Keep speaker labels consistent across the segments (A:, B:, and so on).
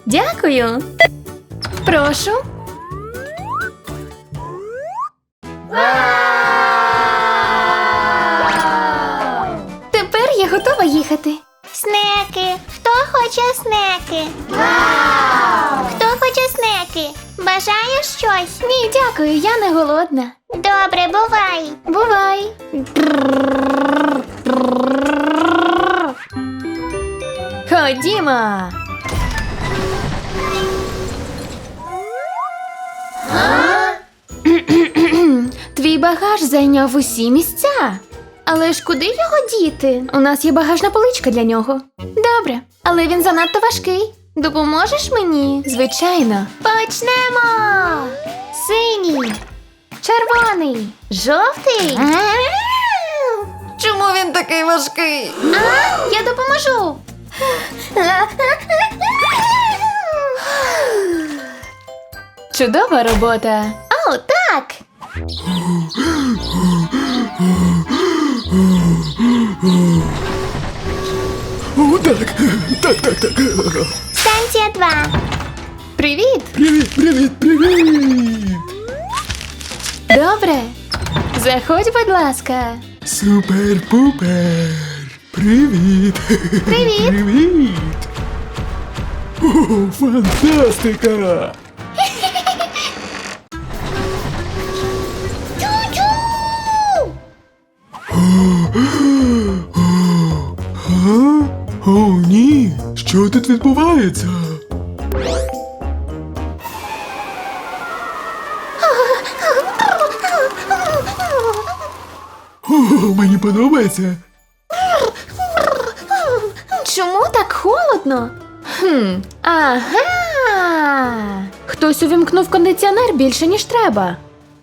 A: Дякую. Прошу. Тепер я готова їхати.
B: Снеки. Хто хоче снеки? Хто хоче снеки? Бажаєш щось?
A: Ні, дякую, я не голодна.
B: Добре, бувай.
A: Бувай. Ходімо. Твій багаж зайняв усі місця. Але ж куди його діти? У нас є багажна поличка для нього. Добре, але він занадто важкий. Допоможеш мені? Звичайно. Почнемо! Синій, червоний, жовтий. Чому він такий важкий? Я допоможу. Чудова робота. О, так.
C: О, так.
B: Станція 2.
A: Привіт.
C: Привіт.
A: Добре. Заходь, будь ласка.
C: Супер-пупер. Привіт.
A: Привіт.
C: О, фантастика. О, ні. Що тут відбувається? О, мені подобається.
A: Чому так холодно? Ага. Хтось увімкнув кондиціонер більше, ніж треба.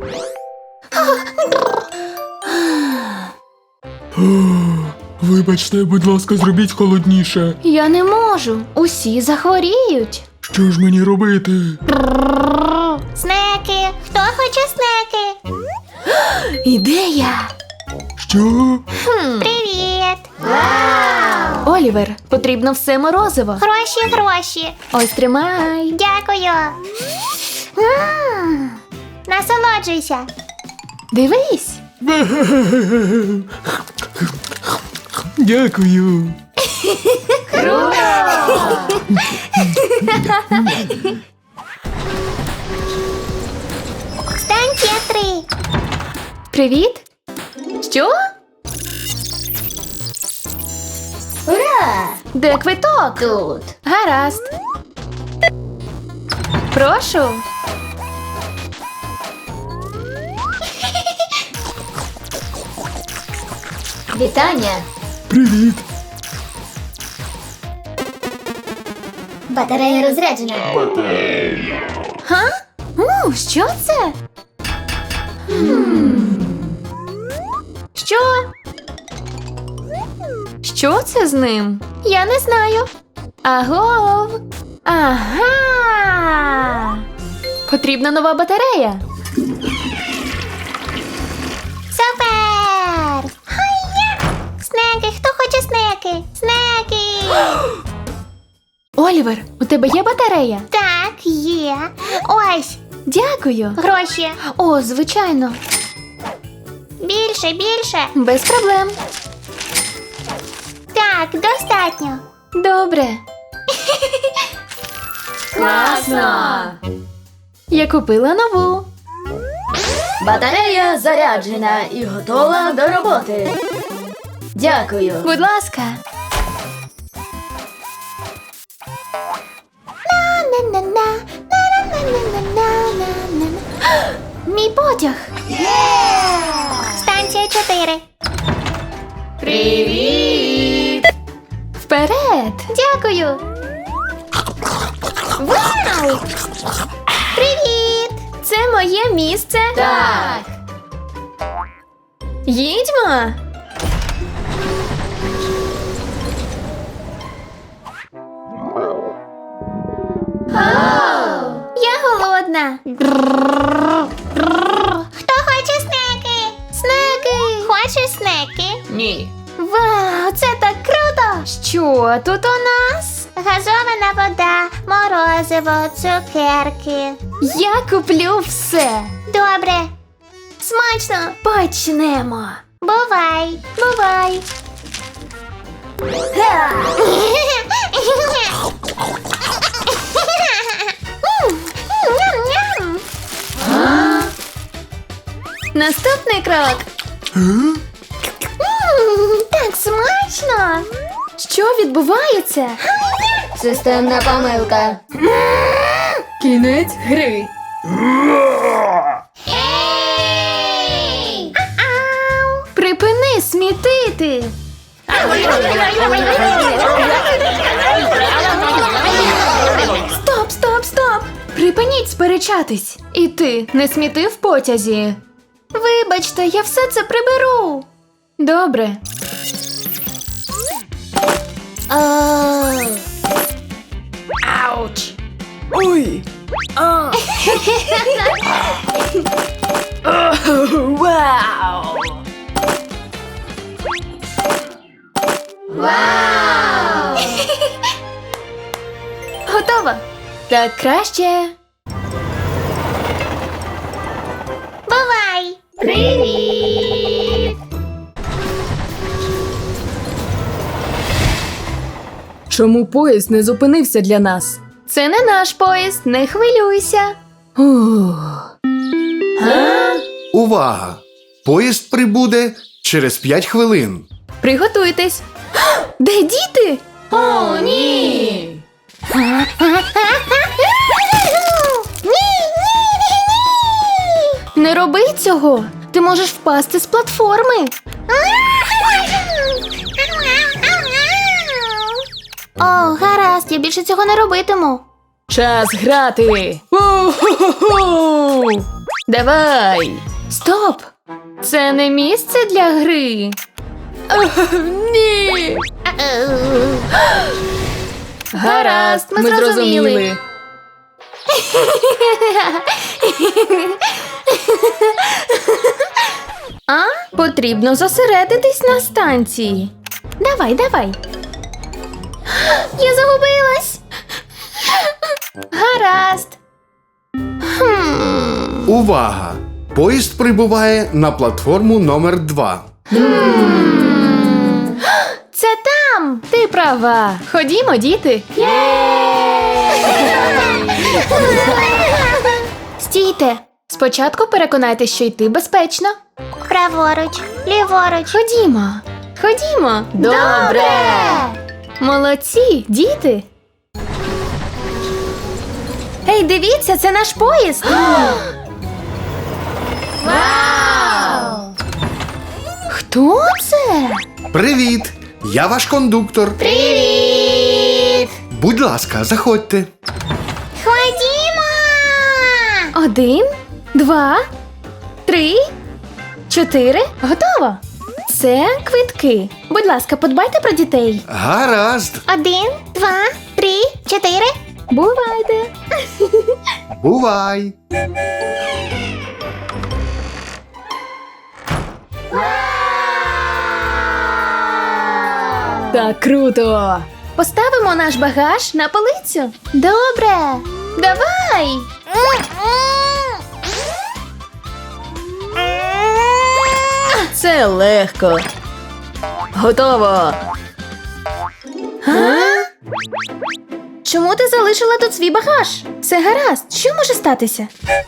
C: Вибачте, будь ласка, зробіть холодніше.
A: Я не можу. Усі захворіють.
C: Що ж мені робити?
B: Снеки. Хто хоче снеки?
A: Ідея.
C: Що?
B: Привіт.
A: Олівер, потрібно все морозиво.
B: Гроші.
A: Ось тримай.
B: Дякую. Насолоджуйся.
A: Дивись.
C: Дякую.
B: Станція 3.
A: Привіт. Що?
B: Ура!
A: Де квиток?
B: Тут.
A: Гаразд. Прошу.
B: Вітання.
C: Привіт.
B: Батарея розряджена.
A: Га? Що це? Що? Що це з ним? Я не знаю. Агов. Ага. Потрібна нова батарея.
B: Супер! Хайя! Снеки, хто хоче снеки? Снеки!
A: Олівер, у тебе є батарея?
B: Так, є. Ось,
A: Дякую.
B: гроші.
A: О, звичайно.
B: Більше.
A: Без проблем.
B: Так, достатньо.
A: Добре. Класно! Я купила нову.
D: Батарея заряджена і готова до роботи. Дякую.
A: Будь ласка. Мій потяг.
B: Станція 4.
A: Привіт! Вперед! Дякую!
B: Вау! Привіт!
A: Це моє місце?
D: Так.
A: Їдьмо! Я голодна.
B: Хто хоче снеки?
A: Снеки!
B: Хочеш снеки?
D: Ні.
A: Вау, це так круто! Що тут у нас?
B: газована вода, морозиво, цукерки.
A: Я куплю все.
B: Добре,
A: Смачно! Почнемо.
B: бувай.
A: Бувай.
B: Ням-ням.
A: Наступний крок.
B: Так смачно.
A: Що відбувається?
D: Системна помилка. Кінець гри.
B: Ей! Ау!
A: Припини смітити. Стоп, стоп, стоп! Припиніть сперечатись. І ти не сміти в потязі. Вибачте, я все це приберу. Добре. Ауч!
D: Ой.
A: Вау! Вау! Готово. Так краще.
B: Бувай.
D: Чому поїзд не зупинився для нас?
A: Це не наш поїзд, не хвилюйся.
D: Ух.
E: Увага! Поїзд прибуде через 5 хвилин.
A: Приготуйтесь. Де діти?
D: О, ні!
A: Не роби цього. Ти можеш впасти з платформи. О, гаразд, я більше цього не робитиму.
D: Час грати! У-ху-ху-ху! Давай!
A: Стоп! Це не місце для гри.
D: Ні! Гаразд, ми зрозуміли.
A: А? Потрібно зосередитись на станції. Давай, давай. Я загубилась. Гаразд.
E: Увага! Поїзд прибуває на платформу номер 2.
A: Це там. Ти права. Ходімо, діти. Стійте. Спочатку переконайтесь, що йти безпечно.
B: Праворуч, ліворуч.
A: Ходімо. Ходімо.
D: Добре.
A: Молодці, діти. Ей, дивіться, це наш поїзд.
B: Вау!
A: Хто це?
E: Привіт! Я ваш кондуктор.
B: Привіт!
E: Будь ласка, заходьте.
B: Ходімо!
A: 1, 2, 3, 4. Готово. Це квитки. Будь ласка, подбайте про дітей.
E: Гаразд.
B: 1, 2, 3, 4.
A: Бувайте.
E: Бувай!
D: Так круто!
A: Поставимо наш багаж на полицю. Добре. Давай.
D: Це легко. Готово.
A: Чому ти залишила тут свій багаж? Все гаразд. Що може статися?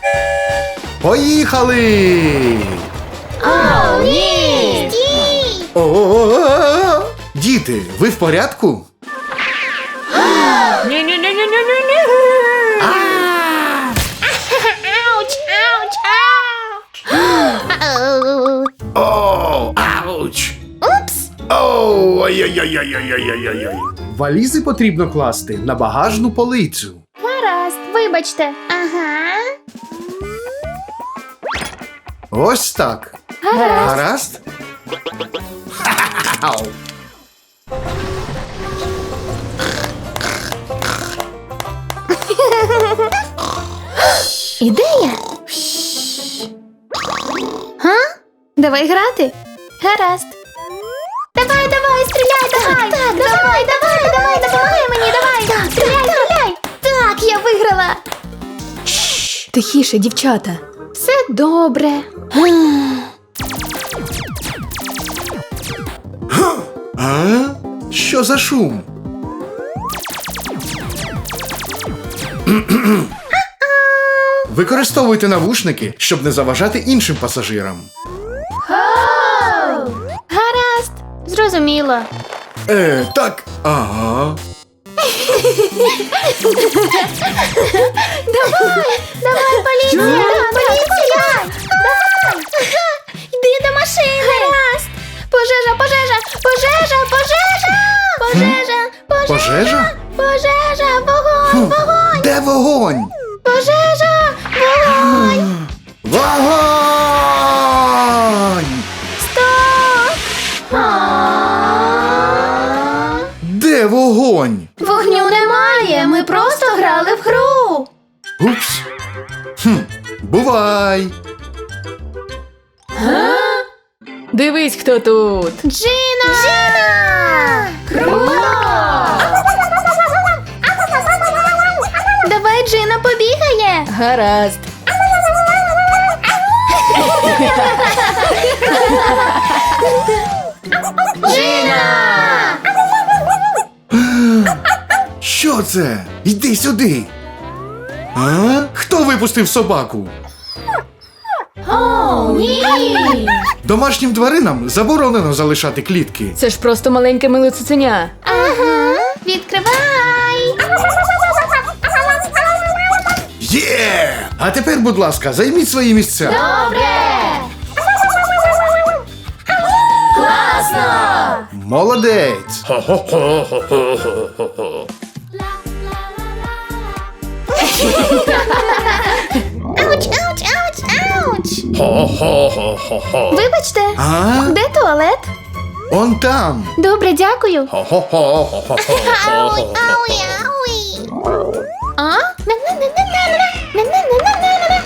E: Поїхали!
A: О, ні.
B: Стій!
E: О-о-о-о! Діти, ви в порядку?
B: Ауч, ауч, ауч!
E: О, ауч!
B: Упс!
E: Оу, ой-ой-ой-ой-ой-ой-ой-ой. Валізи потрібно класти на багажну полицю.
A: Гаразд, вибачте.
B: Ага.
E: Ось так. Гаразд? Ау.
A: Ідея. Га? Давай грати. Гаразд.
B: Давай, давай, стріляй, давай! Так, Давай, допомагай мені, давай. Так, стріляй.
A: Так, я виграла.
D: Тихіше, дівчата.
A: Все добре.
E: А? Що за шум? Використовуйте навушники, щоб не заважати іншим пасажирам.
A: Гаразд. Зрозуміло.
E: Так. Ага.
B: Давай, поліція. Поліція. Давай. Йди до машини. Гаразд.
A: Пожежа, пожежа, пожежа, пожежа! Пожежа,
E: Пожежа?
A: пожежа, вогонь, вогонь,
E: Де вогонь?
A: пожежа, вогонь!
E: Вогонь!
A: Стоп!
E: Де вогонь?
A: Вогню немає, ми просто грали в гру.
E: Упс. Бувай.
D: Дивись, хто тут.
A: Джина! Джина! Круто! Давай Джина побігає.
D: Гаразд.
A: Джина!
E: Що це? Йди сюди. А? Хто випустив собаку?
A: О, ні!
E: Домашнім тваринам заборонено залишати клітки.
D: Це ж просто маленьке миле цуценя.
A: Ага, відкривай!
E: Є! А тепер, будь ласка, займіть свої місця.
A: Добре! Класно!
E: Молодець!
B: Ауч, ауч, ауч, ауч.
A: Вибачте,
E: А?
A: де туалет?
E: Он там.
A: Добре, дякую.
B: Ауй, ауй, ауй.
A: А? На-на-на-на-на-на-на-на-на-на-на.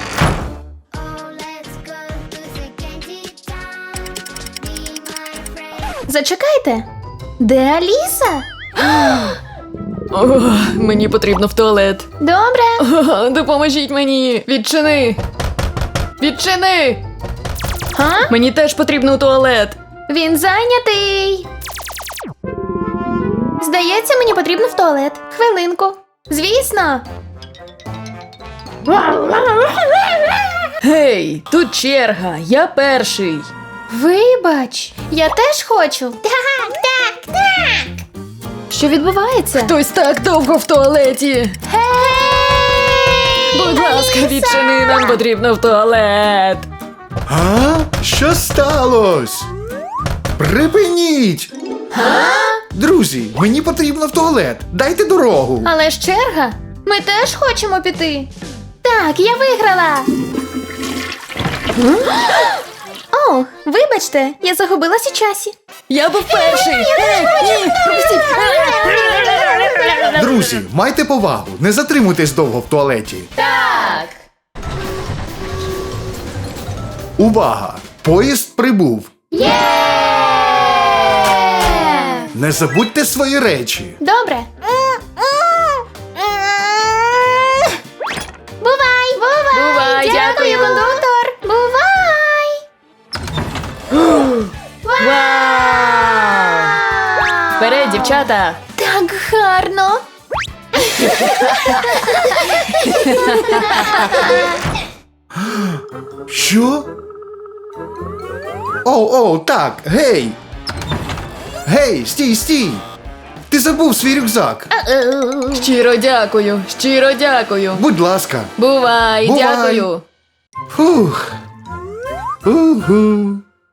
A: Зачекайте. Де Аліса?
D: О, мені потрібно в туалет.
A: Добре.
D: О, допоможіть мені. Відчини. Відчини.
A: А?
D: Мені теж потрібно у туалет.
A: Він зайнятий. Здається, мені потрібно в туалет. Хвилинку. Звісно.
D: Гей, тут черга. Я перший.
A: Вибач, я теж хочу.
B: Так, так, так.
A: Що відбувається?
D: Хтось так довго в туалеті. Будь ласка, відчини, нам потрібно в туалет.
E: А? Що сталося? Припиніть! Друзі, мені потрібно в туалет. Дайте дорогу.
A: Але ж черга. Ми теж хочемо піти. Так, я виграла. О, вибачте, я загубилась у часі.
D: Я був перший. Ні, пропустіть.
E: Друзі, майте повагу. Не затримуйтесь довго в туалеті.
D: Так.
E: Увага! Поїзд прибув. Не забудьте свої речі.
A: Добре. Бувай! Бувай!
D: Бувай, дякую.
A: кондуктор! Бувай!
D: Вау! Вперед, дівчата.
A: Так гарно!
E: Що? Оу, так, гей! Гей, стій, стій! Ти забув свій рюкзак.
D: Щиро дякую, щиро дякую.
E: Будь ласка.
D: Бувай,
E: Бувай.
D: дякую.
E: Фух. Уху.